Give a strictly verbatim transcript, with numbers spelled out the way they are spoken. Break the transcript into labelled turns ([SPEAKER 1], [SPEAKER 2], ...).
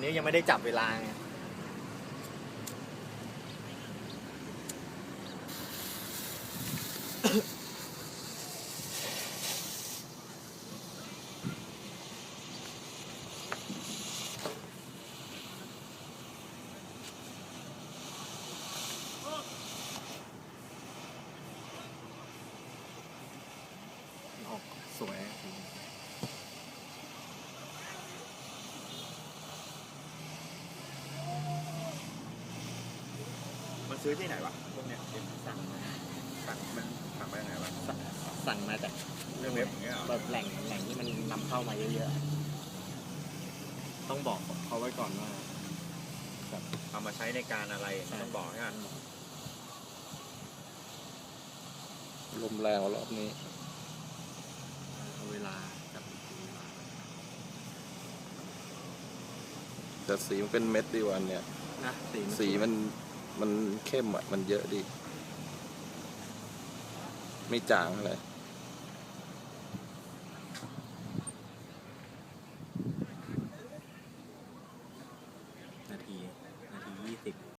[SPEAKER 1] นี้ยังไม่ได้จับเวลาไงออกสวย
[SPEAKER 2] มันซื้อที่ไหนวะพวกเนี้ย
[SPEAKER 1] สั่งมา
[SPEAKER 2] สั่งมันสั่งไปไหนวะ
[SPEAKER 1] สั่งสั่งมาจาก
[SPEAKER 2] เรื่องเว็บอย่างเงี้ยเหรอ
[SPEAKER 1] แบบแหล่งแหล่งที่มันนำเข้ามาเยอะๆต้องบอกเขาไว้ก่อนว่าแบบ
[SPEAKER 2] เอามาใช้ในการอะไรต้องบอกนะ
[SPEAKER 3] ลมแรงรอบนี้
[SPEAKER 1] เอาเวลากับเวลา
[SPEAKER 3] แต่สีมันเป็นเม็ดดีกว่าอันเนี่ย
[SPEAKER 1] นะสี
[SPEAKER 3] สีมันมันเข้มอ่ะ มันเยอะดี ไม่จางเลย